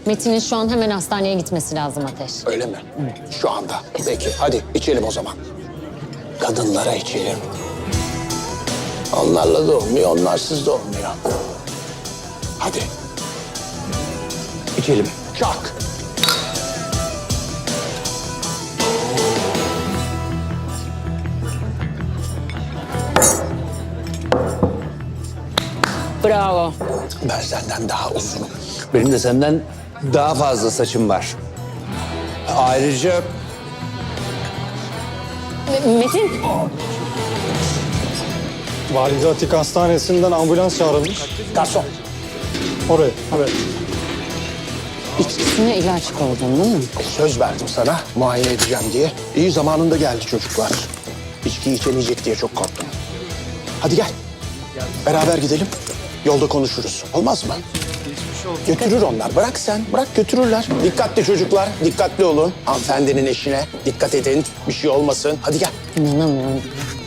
Metin'in şu an hemen hastaneye gitmesi lazım Ateş. Öyle mi? Şu anda. Peki hadi içelim o zaman. Kadınlara içelim. Onlarla da olmuyor, onlarsız da olmuyor. Hadi. İçelim. Çak. Bravo. Ben senden daha uzunum. Benim de senden daha fazla saçım var. Ayrıca Metin. Valide Atik Hastanesi'nden ambulans çağrılmış. Garson. Oraya, evet. İçkisine ilaç koydun değil mi? Söz verdim sana muayene edeceğim diye. İyi zamanında geldi çocuklar. İçki içemeyecek diye çok korktum. Hadi gel. Beraber gidelim. Yolda konuşuruz. Olmaz mı? Götürür onlar. Bırak sen. Bırak götürürler. Dikkatli çocuklar. Dikkatli olun. Hanımefendinin eşine dikkat edin. Bir şey olmasın. Hadi gel. İnanamıyorum.